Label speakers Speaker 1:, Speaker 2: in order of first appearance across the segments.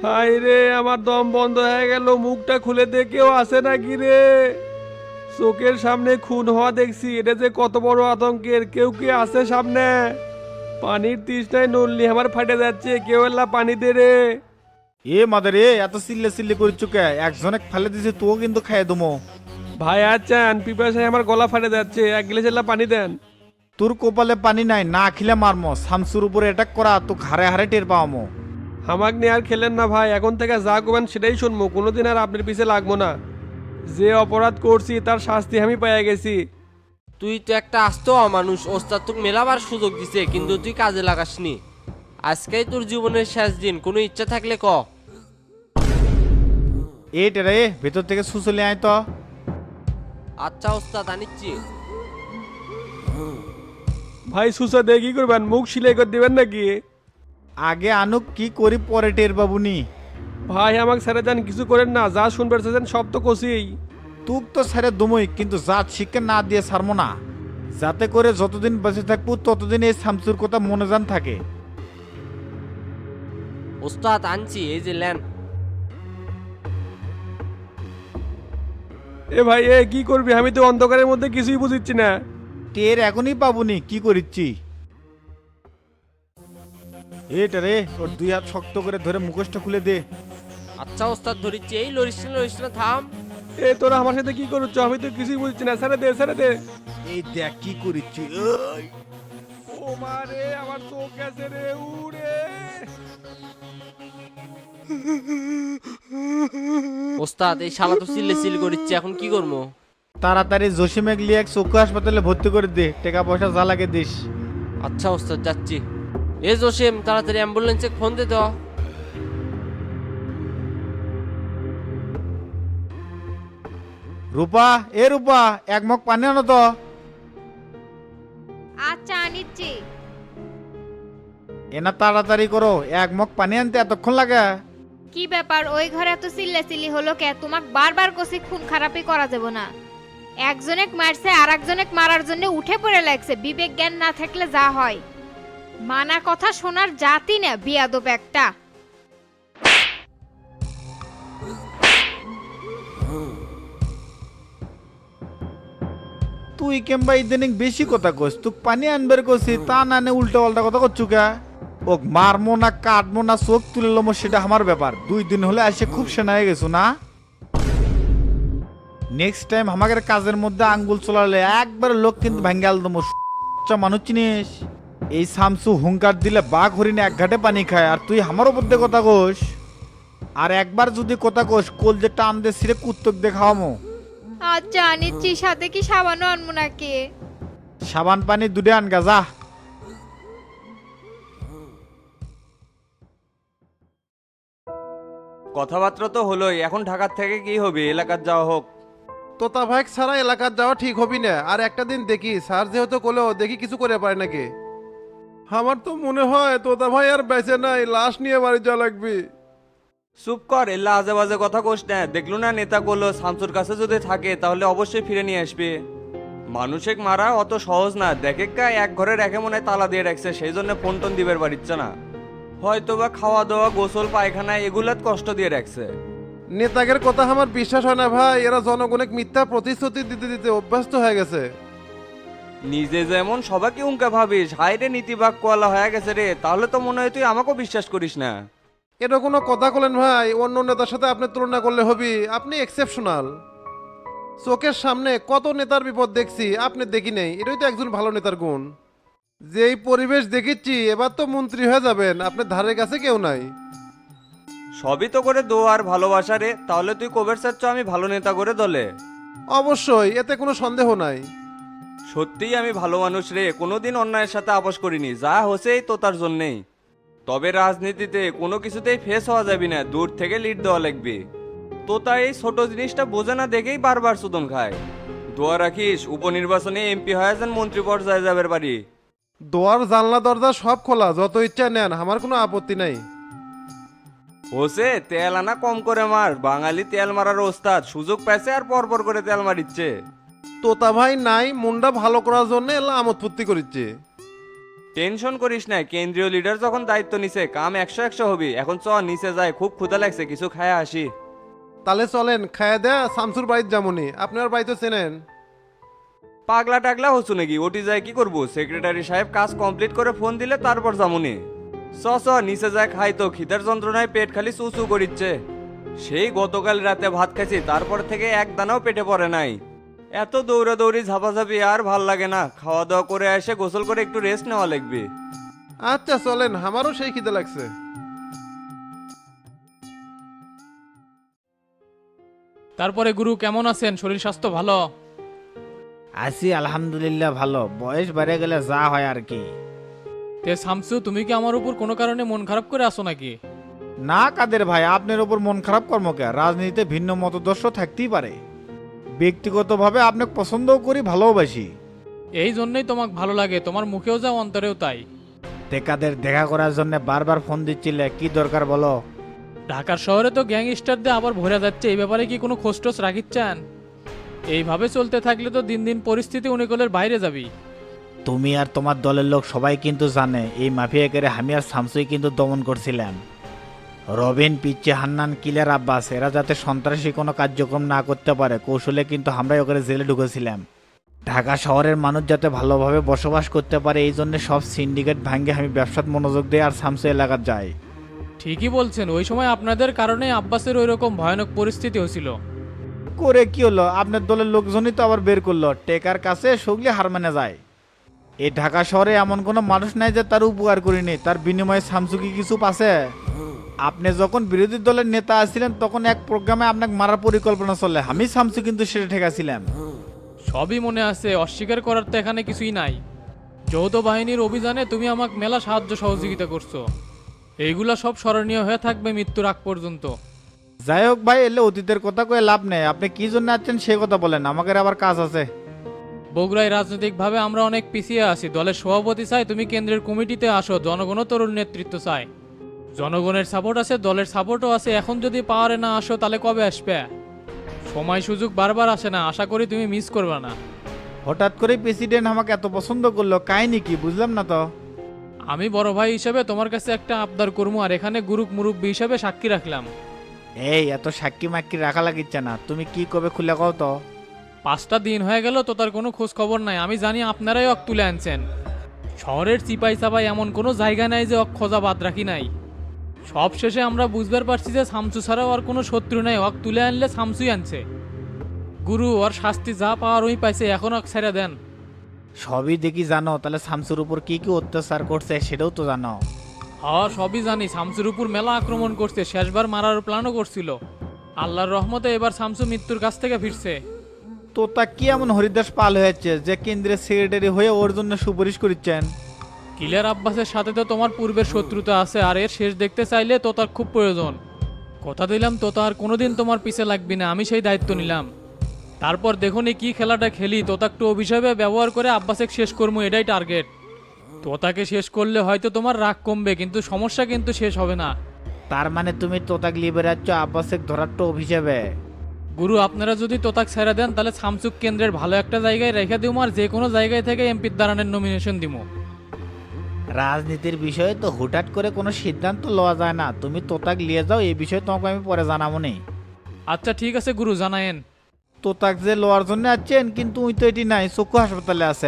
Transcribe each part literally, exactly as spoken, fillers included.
Speaker 1: High রে, আমার দম বন্ধ হয়ে গেল। মুখটা খুলে দে, কেউ আসে নাকি রে? চোখের সামনে খুন হওয়া দেখছি, এটা যে কত বড় আতঙ্কের। কেউ কি আছে সামনে? পানির তৃষ্ণায় নড়লি আমার ফাটে যাচ্ছে, কেউ এল্লা পানি দে রে।
Speaker 2: এ মাদারে এত চিল্লে চিল্লে করিচ্ছ কে? একজনে ফেলে দিছে, তুও কিন্তু খাইয়ে দমো।
Speaker 1: ভাই আচ্ছান, পিপাসায় আমার গলা ফাটে যাচ্ছে, এক গ্লাস এল্লা পানি দেন।
Speaker 2: তোর কপালে পানি নাই, না খিলে মারমো। শামসুর উপরে অ্যাটাক করা তো ঘাড়ে হারে টের পাওয়ামো।
Speaker 1: হামাক নিয়ে আর খেলেন না ভাই, এখন থেকে যা করবেন সেটাই শুনবো, কোনোদিন আর আপনার পিছে লাগবো না। যে অপরাধ করছি তার শাস্তি আমি পাইয়া গেছি।
Speaker 3: তুই তো একটা আস্ত অমানুষ। ওস্তাদ তোকে মেলাবার সুযোগ দিছে, কিন্তু তুই কাজে লাগাসনি। আজকেই তোর জীবনের শেষ দিন, কোনো ইচ্ছা থাকলে ক।
Speaker 2: এ টেরে ভেতর থেকে সুসলে আয় তো।
Speaker 3: আচ্ছা ওস্তাদ, আনিচ্ছি।
Speaker 1: ভাই সুসা দিয়ে কি করবেন? মুখ সিলাই করে দিবেন নাকি?
Speaker 2: আগে আনুক, কি করি পরে টের বাবুনি।
Speaker 1: ভাই আমাকে ছেড়ে দেন, কিছু করেন না। যা শুনবে চাচ্ছেন সব তো কষিই।
Speaker 2: তুক তো ছেড়ে দমই, কিন্তু জাত শিক্ষা না দিয়ে ছাড়মো না। যাতে করে যতদিন বেঁচে থাকবো ততদিন এই শামসুর কথা মনে জান থাকে।
Speaker 3: ওস্তাদ আনছি, এই যে ল্যান।
Speaker 1: এ ভাই এ কি করবি? আমি তো অন্ধকারের মধ্যে কিছুই বুঝিচ্ছি না।
Speaker 2: টের এখনই পাবুনি, কি করিচ্ছি। এটা রে, ওর দুই হাত শক্ত করে ধরে মুখোশটা খুলে দে।
Speaker 3: আচ্ছা ওস্তাদ ধরিচ্ছি। এই লরিস না লরিস না, থাম।
Speaker 1: এ তোরা আমার সাথে কি করছ? আমি তো কিছুই বুঝছি না। ছেড়ে দে, ছেড়ে দে।
Speaker 2: এই দেখ কি করিচ্ছি।
Speaker 1: ও মা রে, আমার চোখ গেছে রে, উড়ে।
Speaker 3: ওস্তাদ এই শালা তো চিল্লে চিল করিচ্ছে, এখন কি করবো?
Speaker 2: তাড়াতাড়ি জসিমেক লিয়ে এক চক্ষু হাসপাতালে ভর্তি করে দে, টাকা পয়সা যা লাগে দিস।
Speaker 3: আচ্ছা ওস্তাদ, যাচ্ছি। এ জসিম, তাড়াতাড়ি অ্যাম্বুলেন্সে ফোন দে তো।
Speaker 2: রূপা, এ রূপা, এক মগ পানি আনো তো।
Speaker 4: আচ্ছা আনিচ্ছি।
Speaker 2: এনা তাড়াতাড়ি করো, এক মগ পানি আনতে এতক্ষণ লাগে?
Speaker 4: কি ব্যাপার, ওই ঘরে এত চিল্লাচিল্লি হলো কে? তোমাক বারবার কষি খুন খারাপই করা যাব না। একজনেক মারছে আর একজনেক মারার জন্য উঠে পড়ে লাগছে। বিবেক জ্ঞান না থাকলে যা হয়। মানা কথা শোনার জাতি না, বিয়াদব একটা।
Speaker 2: তুই কেমবা ইদানিং বেশি কথা কস। তুই পানি আনবার কছি, তা না নে উল্টা পাল্টা কথা করছু কে? ওক মারমো না কাটমো না চোখ তুলে লমো সেটা আমার ব্যাপার। দুই দিন হলে আসে খুব সেনা হয়ে গেছো না। নেক্সট টাইম আমাদের কাজের মধ্যে আঙ্গুল চলালে একবার লোক কিন্তু ভাঙ্গাল দমো। মানুষ চিনিস? এই শামসু হুঙ্কার দিলে বাঘ হরিণে এক ঘাটে পানি খায়, আর তুই আমার ওপর দিয়ে কথা কোস। আর একবার যদি কথা কোস, কোল যে টান দে সিরে কুত্তক দেখাওয়ামো।
Speaker 4: আচ্ছা আনিচ্ছি, সাথে কি সাবানও আনবো নাকি?
Speaker 2: সাবান পানি দুধে আনগা যা।
Speaker 5: কথাবার্তা তো হলোই, এখন ঢাকার থেকে কি হবে? এলাকার যাওয়া হোক।
Speaker 6: তোতা ভাই ছাড়া এলাকার যাওয়া ঠিক হবি না। আর একটা দিন দেখি স্যার যেহেতু কোলো দেখি কিছু করে পারে নাকি। আমার তো মনে হয় তোতা ভাই আর বেঁচে নাই, লাশ নিয়ে বাড়ি যাওয়া লাগবে।
Speaker 5: চুপ কর, এল্লা আজে বাজে কথা কোস না। দেখলো না নেতা করলো, শামসুর কাছে যদি থাকে তাহলে অবশ্যই ফিরে নিয়ে আসবে। মানুষেক মারা অত সহজ না। দেখে কা এক ঘরের একে মনে হয় তালা দিয়ে রাখছে, সেই জন্য ফোন টোন দিবার পারিচ্ছে না। হয়তো বা খাওয়া দাওয়া গোসল পায়খানা এগুলাত কষ্ট দিয়ে রাখছে।
Speaker 6: নেতাদের কথা আমার বিশ্বাস হয় না ভাই। এরা জনগণের মিথ্যা প্রতিশ্রুতি দিতে দিতে অভ্যস্ত হয়ে গেছে।
Speaker 5: নিজে যেমন সবাইকে উঙ্কা ভাবিস, হাইরে নীতিবাক কোয়ালা হয়ে গেছে রে, তাহলে তো মনে হয় তুই আমাকেও বিশ্বাস করিস না।
Speaker 6: এটা কোনো কথা বলেন ভাই? অন্য নেতার সাথে আপনি তুলনা করলে হবি? আপনি এক্সেপশনাল। চোখের সামনে কত নেতার বিপদ দেখছি, আপনি দেখি নেই। এটাই তো একজন ভালো নেতার গুণ। যেই পরিবেশ দেখিচ্ছি, এবার তো মন্ত্রী হয়ে যাবেন, আপনার ধারের কাছে কেউ নাই।
Speaker 5: সবই তো করে দো আর ভালোবাসা রে। তাহলে তুই কবের চাচ্ছ আমি ভালো নেতা করে দলে?
Speaker 6: অবশ্যই, এতে কোনো সন্দেহ নাই।
Speaker 5: সত্যিই আমি ভালো মানুষ রে, কোনোদিন অন্যায়ের সাথে আপোষ করিনি। যা হছেই তো তার জন্যেই। তবে রাজনীতিতে কোনো কিছুতেই ফেস হওয়া যাবে না, দূর থেকে লিড দেওয়া লাগবে। তো তাই এই ছোট জিনিসটা বোঝে না দেখেই বারবার সুদন খায়। দোয়া রাখিস উপনির্বাচনে এমপি হয়ে যান, মন্ত্রী পর্যায়ে যাবের বাড়ি।
Speaker 6: দোয়ার জানলা দরজা সব খোলা, যত ইচ্ছা নেন, আমার কোনো আপত্তি নাই।
Speaker 5: হোসে তেল আনা কম করে মার, বাঙালি তেল মারার ওস্তাদ। সুযোগ পাইছে আর পরপর করে তেল মারিচ্ছে।
Speaker 6: তোতা ভাই নাই, মুন্ডা ভালো করার জন্য এলা আমোদ ফুর্তি করিচ্ছে।
Speaker 5: টেনশন করিস না, কেন্দ্রীয় লিডার যখন দায়িত্ব নিছে কাম একশো একশো হবি। এখন চ নিচে যায়, খুব ক্ষুধা লাগছে, কিছু খায় আসি।
Speaker 6: তাহলে চলেন, খায়া দেয়া শামসুর বাড়ির যামুনি, আপনার বাড়ি তো চেনেন।
Speaker 5: পাগলা টাগলা হচ্ছু নাকি? ওটি যায় কি করবো? সেক্রেটারি সাহেব কাজ কমপ্লিট করে ফোন দিলে তারপর যামুনি। চ চ নিচে যায় খাই, তো খিদার যন্ত্রণায় পেট খালি চুচু করিচ্ছে। সেই গতকাল রাতে ভাত খাইছি, তারপর থেকে এক দানাও পেটে পড়ে নাই। এত দৌড়াদৌড়ি ঝাপাঝাপি আর ভাল লাগে না। খাওয়া দাওয়া করে এসে গোসল করে একটু রেস্ট নেওয়া লাগবে।
Speaker 6: আচ্ছা চলেন, আমারও সেই খিদে লাগছে।
Speaker 7: তারপরে গুরু কেমন আছেন? শরীর স্বাস্থ্য ভালো?
Speaker 2: আছি আলহামদুলিল্লাহ ভালো। বয়স বেড়ে গেলে যা হয় আর কি।
Speaker 7: তে শামসু, তুমি কি আমার উপর কোনো কারণে মন খারাপ করে আসো নাকি?
Speaker 2: না কাদের ভাই, আপনার ওপর মন খারাপ কর্মকে। রাজনীতিতে ভিন্ন মতদর্শ থাকতেই পারে, ব্যক্তিগতভাবে আপনাকে পছন্দও করি, ভালোবাসি।
Speaker 7: এই জন্যই তোমাকে ভালো লাগে, তোমার মুখেও যাও অন্তরেও তাই।
Speaker 2: টেকাদের দেখা করার জন্য বারবার ফোন দিচ্ছিলে, কি দরকার বলো?
Speaker 7: ঢাকার শহরে তো গ্যাংস্টারদের আবার ভরে যাচ্ছে, এই ব্যাপারে কি কোনো খোঁজটোজ রাখিচ্ছেন? এইভাবে চলতে থাকলে তো দিন দিন পরিস্থিতি অনুকূলের বাইরে যাবি।
Speaker 2: তুমি আর তোমার দলের লোক সবাই কিন্তু জানে এই মাফিয়াকে আমি আর শামসুই কিন্তু দমন করছিলাম। রবিন, পিচ্ছে, হান্নান, কিলার, আব্বাস এরা যাতে সন্ত্রাসী কোনো কার্যক্রম না করতে পারে কৌশলে কিন্তু আমরাই ওকে জেলে ঢুকেছিলাম। ঢাকা শহরের মানুষ যাতে ভালোভাবে বসবাস করতে পারে এই জন্য সব সিন্ডিকেট ভাঙ্গে আমি ব্যবসাত মনোযোগ দিই আর শামসু এলাকার যাই।
Speaker 7: ঠিকই বলছেন, ওই সময় আপনাদের কারণে আব্বাসের ওই রকম ভয়ানক পরিস্থিতি হয়েছিল।
Speaker 2: করে কি হলো? আপনার দলের লোকজনই তো আবার বের করলো। টেকার কাছে সগলি হার মানে যায়। এই ঢাকা শহরে এমন কোনো মানুষ নাই যে তার উপকার করিনি, তার বিনিময়ে শামসু কি কিছু পাছে? আপনি যখন বিরোধী দলের নেতা আছিলেন তখন এক প্রোগ্রামে আপনাকে মারার পরিকল্পনা চলে, আমি শামসু কিন্তু সেটা ঠেকাছিলাম।
Speaker 7: সবই মনে আছে, অস্বীকার করার তো এখানে কিছুই নাই। যৌথ বাহিনীর অভিযানে তুমি আমাকে মেলা সাহায্য সহযোগিতা করছো, এইগুলা সব স্মরণীয় হয়ে থাকবে মৃত্যুর আগ পর্যন্ত।
Speaker 2: যাই হোক ভাই, এলে অতীতের কথা কয়ে লাভ নেই। আপনি কি জন্য আছেন সে কথা বলেন, আমাকে আবার কাজ আছে।
Speaker 7: বগুড়ায় রাজনৈতিকভাবে আমরা অনেক পিছিয়ে আছি, দলের সভাপতি চাই তুমি কেন্দ্রের কমিটিতে আসো, জনগণও তরুণ নেতৃত্ব চায়। জনগণের সাপোর্ট আছে, দলের সাপোর্টও আছে, এখন যদি পাওয়ারে না আসো তাহলে কবে আসবে? সময় সুযোগ বারবার আসে না, আশা করি তুমি মিস করবে না।
Speaker 2: হঠাৎ করে প্রেসিডেন্ট আমাকে এত পছন্দ করলো, কাহিনী কি বুঝলাম না তো।
Speaker 7: আমি বড় ভাই হিসেবে তোমার কাছে একটা আবদার করবো, আর এখানে গুরুক মুরব্বী হিসেবে সাক্ষী রাখলাম।
Speaker 2: এই এত সাক্ষী মাক্ষী রাখা লাগিচ্ছে না, তুমি কি কবে খুলে কও তো।
Speaker 7: পাঁচটা দিন হয়ে গেল তো তার কোনো খোঁজ খবর নাই। আমি জানি আপনারাই অক তুলে আনছেন। শহরের চিপাই চাপাই এমন কোনো জায়গা নাই যে অক খোঁজা বাদ রাখি নাই। সব শেষে আমরা বুঝবার পারছি যে শামসু ছাড়াও আর কোনো শত্রু নাই, অক তুলে আনলে শামসুই আনছে। গুরু ওর শাস্তি যা পাওয়ার ওই পাইছে, এখন অক ছেড়ে দেন।
Speaker 2: সবই দেখি জানো, তাহলে শামসুর উপর কি কি অত্যাচার করছে সেটাও তো জানো।
Speaker 7: হ্যাঁ সবই জানি, শামসুর উপর মেলা আক্রমণ করছে, শেষবার মারার প্ল্যানও করছিল। আল্লাহর রহমতে এবার শামসু মৃত্যুর কাছ থেকে ফিরছে।
Speaker 2: তো তা কি এমন হরিদাস পাল হয়েছে যে কেন্দ্রের সেক্রেটারি হয়ে ওর জন্য সুপারিশ করছেন?
Speaker 7: কিলার আব্বাসের সাথে তো তোমার পূর্বের শত্রুতা আছে, আর এর শেষ দেখতে চাইলে তো তার খুব প্রয়োজন। কথা দিলাম তো তার কোনোদিন তোমার পিছে লাগবি না, আমি সেই দায়িত্ব নিলাম। তারপর দেখুন কি খেলাটা খেলি, তোতাকটু অভিশাপে ব্যবহার করে আব্বাসেক শেষ করবো, এটাই টার্গেট। তোতাকে শেষ করলে হয়তো তোমার রাগ কমবে, কিন্তু সমস্যা কিন্তু শেষ হবে না।
Speaker 2: তার মানে তুমি তোতাক লিবেরাচ্ছ আব্বাসেক ধরার তো অভিশাপে?
Speaker 7: গুরু আপনারা যদি তোতাক ছেড়ে দেন তাহলে শামসুক কেন্দ্রের ভালো একটা জায়গায় রেখে দিব, আর যে কোনো জায়গায় থেকে এমপির দাঁড়ানোর নমিনেশন দিব।
Speaker 2: রাজনীতির বিষয়ে তো হুটহাট করে কোনো সিদ্ধান্ত লওয়া যায় না। তুমি তোতাক লিয়ে যাও, এই বিষয়ে তোমাকে আমি পরে জানাবো নি।
Speaker 7: আচ্ছা ঠিক আছে গুরু, জানায়েন।
Speaker 2: তোতাক যে লওয়ার জন্য আছেন, কিন্তু উই তো এটি নাই, চক্ষু হাসপাতালে আছে।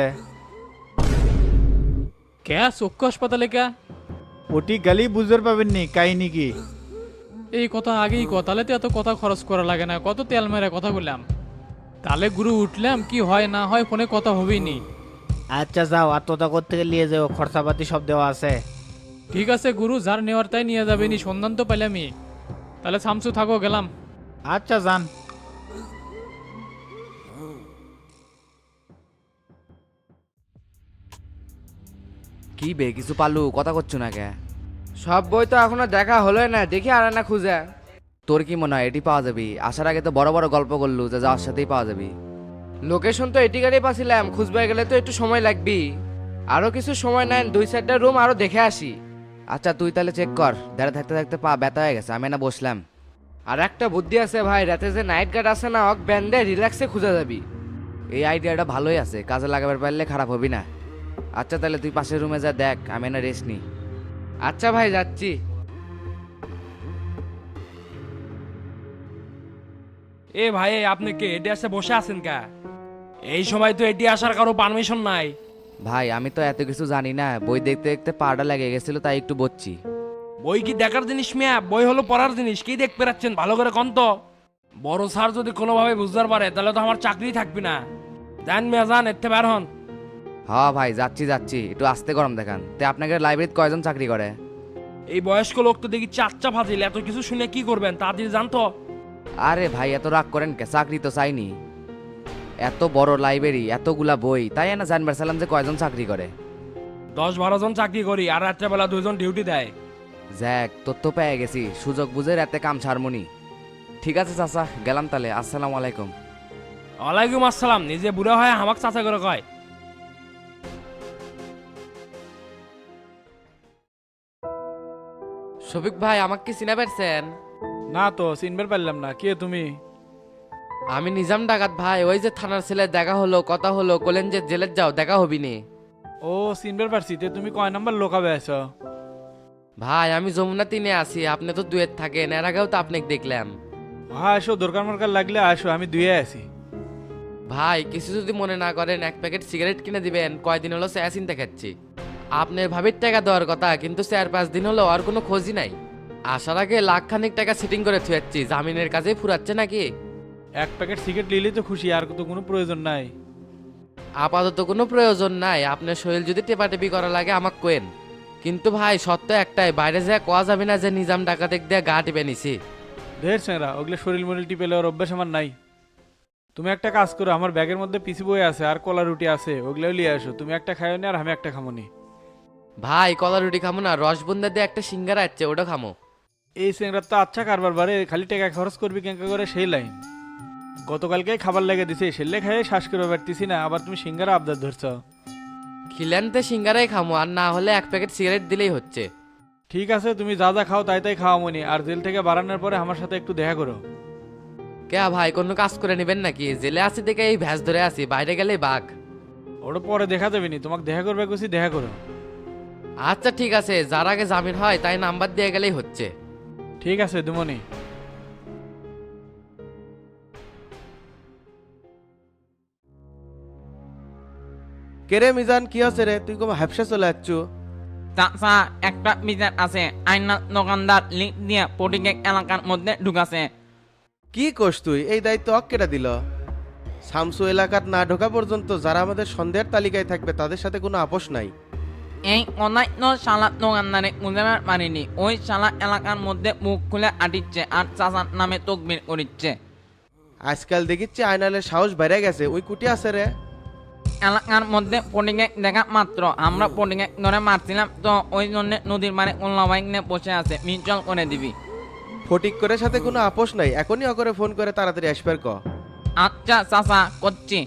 Speaker 7: কে চক্ষু হাসপাতালে কে?
Speaker 2: ওটি গালি বুঝতে পাবেন নি, কাহিনী কি?
Speaker 7: এই কথা আগেই ক, তাহলে তো এত কথা খরচ করা লাগে না, কত তেল মেরে কথা বললাম। তাহলে গুরু উঠলাম, কি হয় না হয় ফোনে কথা হবেই নি।
Speaker 2: আচ্ছা যাও, আর তোতা করতে নিয়ে যাও, খরচাপাতি সব দেওয়া আছে।
Speaker 7: ঠিক আছে গুরু, যার নেওয়ার তাই নিয়ে যাবে নি, সন্ধান তো পাইলামই। তাহলে শামসু থাকো, গেলাম।
Speaker 2: আচ্ছা যান।
Speaker 8: কি বে কিছু পালু কথা করছো না কে? সব বই তো এখনো দেখা হলো না, দেখি আর না খুঁজে। তোর কি মনে হয় এটি পাওয়া যাবে? আসার আগে তো বড় বড় গল্প করলু যে যাওয়ার সাথেই পাওয়া যাবে। লোকেশন তো এটি গাড়ি পাচ্ছিলাম, খুঁজবে গেলে তো একটু সময় লাগবে। আরো কিছু সময় নেন, দুই চারটা রুম আরো দেখে আসি। আচ্ছা তুই তাহলে চেক কর, দাঁড়া থাকতে থাকতে পা ব্যথা হয়ে গেছে, আমি না বসলাম। আর একটা বুদ্ধি আছে ভাই, রাতে যে নাইট গার্ড আছে না, অক ব্যান্ডে রিল্যাক্সে খুঁজে যাবি। এই আইডিয়াটা ভালোই আছে, কাজে লাগাবার পারলে খারাপ হবি না। আচ্ছা তাহলে তুই পাশের রুমে যা দেখ, আমি না রেস্ট নিই। আচ্ছা ভাই যাচ্ছি।
Speaker 9: এ ভাই আপনি কে এটি আসে বসে আছেন কা? এই সময় তো এটি আসার কারো পারমিশন নাই।
Speaker 8: ভাই আমি তো এত কিছু জানি না, বই দেখতে দেখতে পাটা লেগে গেছিল তাই একটু বসছি।
Speaker 9: বই কি দেখার জিনিস মিয়া? বই হলো পড়ার জিনিস। কি দেখতে পাচ্ছেন ভালো করে কন তো। বড় স্যার যদি কোনোভাবে বুঝতে পারে তাহলে তো আমার চাকরি থাকবে না। জান মিয়া যান, এতে বের হন।
Speaker 8: হ্যাঁ ভাই যাচ্ছি যাচ্ছি, একটু আস্তে গরম দেখান। তে আপনাকে লাইব্রেরিতে কয়জন চাকরি করে?
Speaker 9: এই বয়স্ক লোক তো দেখি চাচ্চা ফাজিল, এত কিছু শুনে কি করবেন তাড়াতাড়ি জান তো।
Speaker 8: আরে ভাই এত রাগ করেন কে, চাকরি তো চাইনি। এত বড় লাইব্রেরি, এতগুলা বই, তাই না জানবার চাইলাম যে কয়জন চাকরি করে।
Speaker 9: দশ বারো জন চাকরি করি আর রাত্রেবেলা দুজন ডিউটি দেয়।
Speaker 8: জ্যাক তথ্য পেয়ে গেছি, সুযোগ বুঝে রাতে কাম ছাড়মুনি। ঠিক আছে চাচা, গেলাম তাহলে। আসসালামু আলাইকুম।
Speaker 9: ওয়ালাইকুম আসসালাম। নিজে বুড়া হয় আমাকে চাচা করে কয়।
Speaker 3: শফিক ভাই আমাকে কি চিনা পারছেন?
Speaker 2: না তো চিনবার পারলাম না, কে তুমি?
Speaker 3: আমি নিজাম ডাকাত ভাই। ওই যে থানার ছেলে দেখা হলো, কথা হলো, কলেন যে জেলের যাও, দেখা হবি নি।
Speaker 2: ও চিনবার পারছি, তে তুমি কয় নাম্বার লোকাবে আছো?
Speaker 3: ভাই আমি যমুনা তিনে আছি, আপনি তো দুয়ের থাকেন, এর আগেও তো আপনাকে দেখলাম।
Speaker 2: হ্যাঁ আসো, দরকার মরকার লাগলে আসো, আমি দুয়ে আছি।
Speaker 3: ভাই কিছু যদি মনে না করেন এক প্যাকেট সিগারেট কিনে দিবেন, কয়দিন হলো স্যা চিন্তা খাচ্ছি। আপনার ভাবির টাকা দেওয়ার কথা, কিন্তু চার পাঁচ দিন হলো আর কোনো খোঁজই নাই। আসার আগে লাখ খানিক টাকা সেটিং করে থুয়াচ্ছি, জামিনের কাজে ফুরাচ্ছে নাকি?
Speaker 2: এক প্যাকেট সিগারেট নিলেই তো খুশি, আর তো কোনো প্রয়োজন নাই।
Speaker 3: আপাতত কোনো প্রয়োজন নাই, আপনার শরীর যদি টেপাটেপি করা লাগে আমাকে কোয়েন। কিন্তু ভাই সত্য একটাই, বাইরে যা কোয়া যাবে না যে নিজাম ডাকাতেক দিয়ে গা টিপে নিছি।
Speaker 2: ঢের চেংরা, ওগুলো শরীর মরিল টিপে লেওয়ার অভ্যাস আমার নাই। তুমি একটা কাজ করো, আমার ব্যাগের মধ্যে পিসি বই আছে আর কলা রুটি আছে, ওগুলোও নিয়ে আসো। তুমি একটা খাইও নি আর আমি একটা খামো নি।
Speaker 3: ভাই কলা রুটি খামো না, রসবন্দা দিয়ে একটা সিঙ্গারা আছে ওটা খামো।
Speaker 2: এই চেংরার তো আচ্ছা কারবার বারে, খালি টাকা খরচ করবি কেঙ্কা করে সেই লাইন। গতকালকে খাবার লেগে দিছে, সেলে খাইয়ে শ্বাস করে পারতেছি না, আবার তুমি সিঙ্গারা আবদার ধরছ।
Speaker 3: খিলেনতে সিঙ্গারাই খামো, আর না হলে এক প্যাকেট সিগারেট দিলেই হচ্ছে।
Speaker 2: ঠিক আছে, তুমি যা যা খাও তাই তাই খাওয়া মনি, আর জেল থেকে বাড়ানোর পরে আমার সাথে একটু দেখা করো।
Speaker 3: কে ভাই কোনো কাজ করে নেবেন নাকি? জেলে আছি দেখে এই ভ্যাস ধরে আছি, বাইরে গেলেই বাঘ।
Speaker 2: ওটা পরে দেখা যাবে নি, তোমাকে দেখা করবে কুছি দেখা করো।
Speaker 3: আচ্ছা ঠিক আছে, যার আগে জামিন হয় তাই নাম্বার দিয়ে গেলেই হচ্ছে।
Speaker 2: ঠিক আছে দুমনি।
Speaker 10: কেরে মিজান কি আছে রে, তুই কম হ্যাপসা চলে যাচ্ছ?
Speaker 11: চাচা একটা বিচার আছে, আইনা দোকানদার লিখ দিয়ে পটিকেক এলাকার মধ্যে ঢুকাছে।
Speaker 10: কি কোস তুই? এই দায়িত্ব অক কেটে দিল? শামসু এলাকার না ঢোকা পর্যন্ত যারা আমাদের সন্দেহের তালিকায় থাকবে তাদের সাথে কোনো আপোষ নাই।
Speaker 11: এই অনাই তো শালা দোকানদারে বুঝাবার পারিনি, ওই শালা এলাকার মধ্যে মুখ খুলে আটিচ্ছে আর চাচার নামে তকবির করিচ্ছে।
Speaker 10: আজকাল দেখিচ্ছি আয়নালের সাহস বেড়ে গেছে, ওই কুটি আছে রে।
Speaker 11: এলাকার মধ্যে পটিকেক দেখা মাত্র আমরা পটিকেক ধরে মারছিলাম, তো ওই জন্য নদীর মানে কল্লা বাইক নিয়ে বসে আছে, মিচল করে দিবি।
Speaker 10: ফটিক করে সাথে কোনো আপোষ নাই, এখনই অকরে ফোন করে তাড়াতাড়ি আসবার ক।
Speaker 11: আচ্ছা চাচা করছি।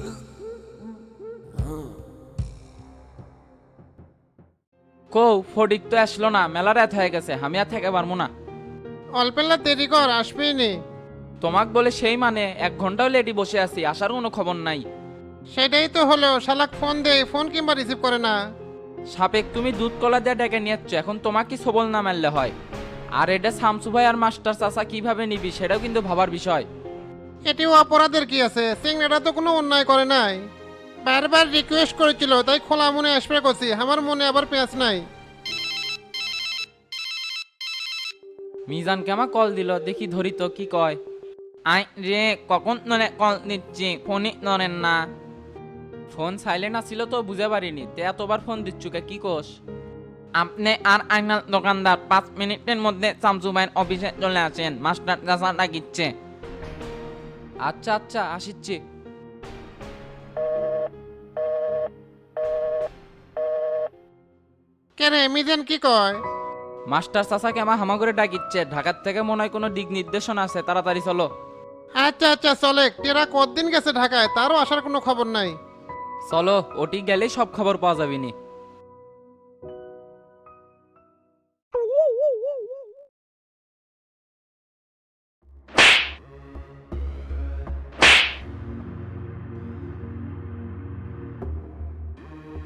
Speaker 11: কৌ ফটিক তো আসলো না, মেলা রাত হয়ে গেছে, আমি আর থেকে পারবো না।
Speaker 6: অল্পেল্লা দেরি কর, আসবেই নি।
Speaker 11: তোমাক বলে সেই মানে এক ঘন্টাও লেডি বসে আছি, আসার কোনো খবর নাই।
Speaker 6: সেটাই তো হলো, শালাক ফোন দে, ফোন কিংবা রিসিভ করে না।
Speaker 11: সাপেক তুমি দুধ কলা দিয়ে ডেকে নিয়েছ, এখন তোমাকে কি সবল না মারলে হয়? আর এটা শামসু ভাই আর মাস্টার চাচা কিভাবে নিবি সেটাও কিন্তু ভাবার বিষয়।
Speaker 6: এটিও অপরাধের কি আছে, সিংড়াটা তো কোনো অন্যায় করে নাই। বারবার রিকোয়েস্ট করেছিল তাই খোলা মনে আসবে করছি, আমার মনে আবার পেঁয়াজ নাই।
Speaker 11: মিজান কেমা কল দিল, দেখি ধরি তো কি কয়। আই রে কখন নরে কল দিচ্ছি, ফোনই নরেন না। ফোন সাইলেন্ট আসছিল তো বুঝে পারিনি, তে এতবার ফোন দিচ্ছু কে, কি কোষ? আপনি আর আইনাল দোকানদার পাঁচ মিনিটের মধ্যে শামসু ভাইয়ের অফিসে চলে আসেন, মাস্টার চাচা ডাকিচ্ছে। আচ্ছা আচ্ছা আসিচ্ছি।
Speaker 6: কেরে মিজান কি কয়?
Speaker 11: মাস্টার চাচাকে আমার হামা করে ডাকিচ্ছে, ঢাকার থেকে মনে হয় কোনো দিক নির্দেশনা আছে, তাড়াতাড়ি চলো।
Speaker 6: আচ্ছা আচ্ছা চলে, টেরা কতদিন গেছে ঢাকায়, তারও আসার কোনো খবর নাই।
Speaker 11: চলো, ওটি গেলেই সব খবর পাওয়া যাবে নি।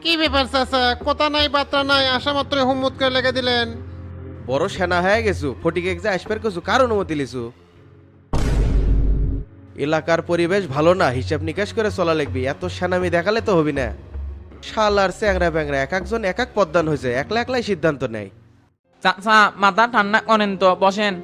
Speaker 6: কি ব্যাপার চাচা, কথা নাই বার্তা নাই, আসা মাত্র হুম্মত করে লেগে দিলেন।
Speaker 10: বড় সেনা হয়ে গেছু, ফটিকে যে আসবার কছু কার অনুমতি লিছু? এলাকার পরিবেশ ভালো না, হিসাব নিকাশ করে চলা লাগবি, এত সেনামি দেখালে তো হবি না। শালার চ্যাংরা ব্যাংরা এক একজন এক এক পদ্মান হয়েছে, একলা একলাই সিদ্ধান্ত নেয়।
Speaker 11: চাচা মাথা ঠান্ডা করেন তো, বসেন।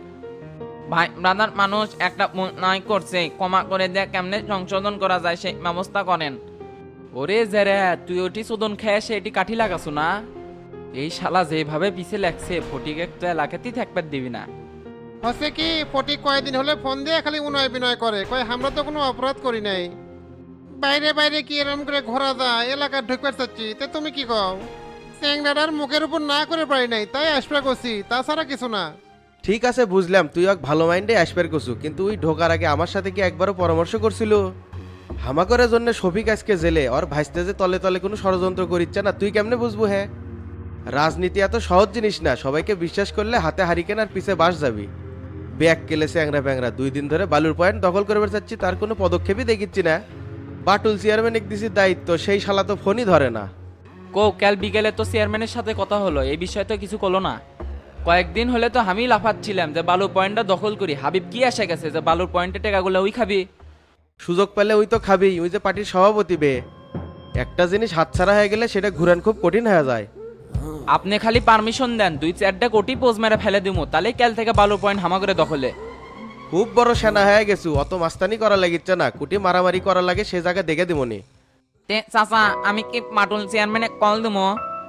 Speaker 11: ভাই ব্রাদার মানুষ একটা ভুল নাই করছে, ক্ষমা করে দেয়া কেমনে সংশোধন করা যায় সেই ব্যবস্থা করেন। ওরে জেরে তুই ওটি শোধন খেয়ে সে এটি কাঠি লাগাছো না? এই শালা যেভাবে পিছে লাগছে ফটিকে তো এলাকাতেই থাকবার দিবি না।
Speaker 6: হচ্ছে কি, ফটিক কয়েকদিন হলে ফোন দিয়ে খালি উনয় বিনয় করে, কয় আমরা তো কোনো অপরাধ করি নাই। বাইরে বাইরে কি এরম করে ঘোরা যায়, এলাকা ঢুকবার চাচ্ছি, তে তুমি কি কও? চ্যাংরাটার মুখের উপর না করে পারি নাই, তাই আসবে করছি, তাছাড়া কিছু না।
Speaker 10: ঠিক আছে বুঝলাম, তুই এক ভালো মাইন্ডে আসবার কছু, কিন্তু ওই ঢোকার আগে আমার সাথে কি একবারও পরামর্শ করছিল? হামাকরের জন্য শফিক আজকে জেলে, ওর ভাইস্তে যে তলে তলে কোনো ষড়যন্ত্র করিচ্ছে না, তুই কেমনে বুঝবো? হ্যাঁ, রাজনীতি এত সহজ জিনিস না, সবাইকে বিশ্বাস করলে হাতে হারিকেন আর পিছে বাস যাবি। ব্যাগ কেলেছে অ্যাংরা প্যাংরা, দুই দিন ধরে বালুর পয়েন্ট দখল করবার চাচ্ছি, তার কোনো পদক্ষেপই দেখিচ্ছি না। বাটুল চেয়ারম্যান এক দিছি দায়িত্ব, সেই শালা তো ফোনই ধরে না।
Speaker 11: কো কাল বিকেলে তো চেয়ারম্যানের সাথে কথা হলো, এই বিষয়ে তো কিছু করলো না। কয়েকদিন হলে তো আমি লাফাচ্ছিলাম যে বালুর পয়েন্টটা দখল করি, হাবিব কি আসে গেছে যে বালুর পয়েন্টে টেকাগুলো ওই খাবি?
Speaker 10: সুযোগ পেলে ওই তো খাবি, ওই যে পার্টির সভাপতি বে। একটা জিনিস হাতছাড়া হয়ে গেলে সেটা ঘুরান খুব কঠিন হয়ে যায়।
Speaker 11: আপনি খালি পারমিশন দেন, দুই চারটা কোটি পোজ মেরে ফেলে দিমু, তাহলে কাল থেকে বালুর পয়েন্ট হামা করে দখলে।
Speaker 10: খুব বড় সেনা হয়ে গেছু, অত মাস্তানি করা লাগিচ্ছে না, কুটি মারামারি করা লাগে সে জায়গা দেখে দিমনি।
Speaker 11: তে চাচা আমি কি মাটুল চেয়ারম্যানে কল দিমু?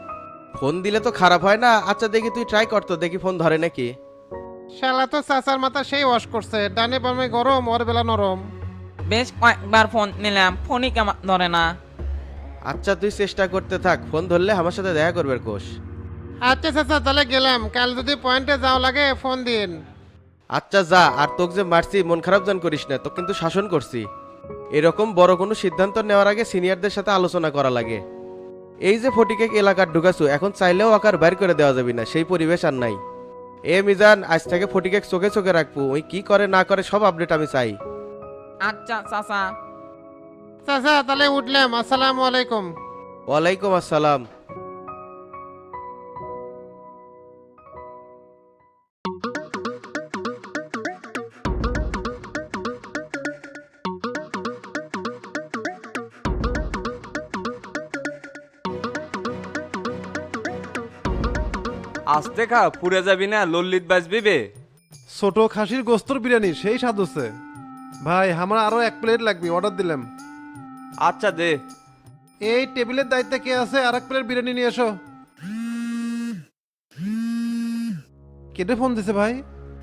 Speaker 10: ফোন দিলে তো খারাপ হয় না। আচ্ছা দেখি তুই ট্রাই করতো, দেখি ফোন ধরে নাকি।
Speaker 6: শালা তো চাচার মাথা সেই ওয়াশ করছে, ডানে বামে গরম, ওর বেলা নরম।
Speaker 11: বেশ কয়েকবার ফোন নিলাম, ফোনই কেমন ধরে না।
Speaker 10: আচ্ছা তুই চেষ্টা করতে থাক, ফোন ধরলে আমার সাথে দেখা করবে কোষ।
Speaker 6: আচ্ছা চাচা তাহলে গেলাম, কাল যদি পয়েন্টে যাও লাগে ফোন দিন।
Speaker 10: আচ্ছা যা, আর তোকে যে মারছি মন খারাপ জান করিস না, তো কিন্তু শাসন করছি। এরকম বড় কোনো সিদ্ধান্ত নেওয়ার আগে সিনিয়রদের সাথে আলোচনা করা লাগে। এই যে ফটিকে এলাকার ঢুকাছু, এখন চাইলেও আকার বাইর করে দেওয়া যাবে না, সেই পরিবেশ আর নাই। এ মিজান, আজ থেকে ফটিকে চোখে চোখে রাখবো, ওই কি করে না করে সব আপডেট আমি চাই।
Speaker 11: আচ্ছা চাচা।
Speaker 6: চাচা তাহলে উঠলাম, আসসালামু আলাইকুম।
Speaker 10: ওয়ালাইকুম আসসালাম।
Speaker 5: আস্তে খা, পুড়ে যাবি না, লল্লিত বাজবি বে।
Speaker 6: ছোট খাসির গোস্তর বিরিয়ানি সেই স্বাদ হচ্ছে। ভাই আমার আরো এক প্লেট লাগবে, অর্ডার দিলাম।
Speaker 5: আচ্ছা দে।
Speaker 6: এই টেবিলের দায়িত্বে কে আছে, আর এক প্লেট বিরিয়ানি নিয়ে এসো। কেটে ফোন দিছে ভাই?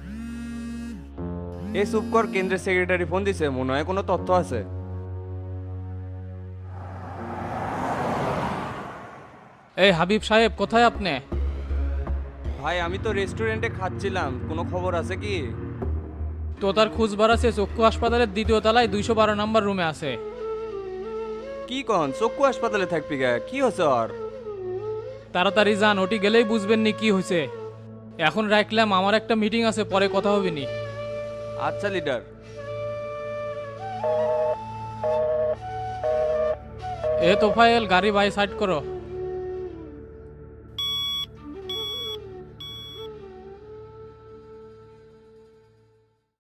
Speaker 5: এই চুপ কর, কেন্দ্রের সেক্রেটারি ফোন দিছে, মনে হয় কোনো তথ্য আছে।
Speaker 7: এই হাবিব সাহেব কোথায় আপনি?
Speaker 5: ভাই আমি তো রেস্টুরেন্টে খাচ্ছিলাম, কোনো খবর আছে কি?
Speaker 7: তো তার খোঁজ বাড়াছে, চক্ষু হাসপাতালের দ্বিতীয় তলায় দুইশো বারো নম্বর রুমে আছে।
Speaker 5: কি কন, চক্ষু হাসপাতালে থাকবি গা, কি হচ্ছে আর?
Speaker 7: তাড়াতাড়ি যান, ওটি গেলেই বুঝবেন নি কি হয়েছে। এখন রাখলাম, আমার একটা মিটিং আছে, পরে কথা হবে নি।
Speaker 5: আচ্ছা লিডার।
Speaker 7: এ তোফায়েল গাড়ি বাই সাইড করো।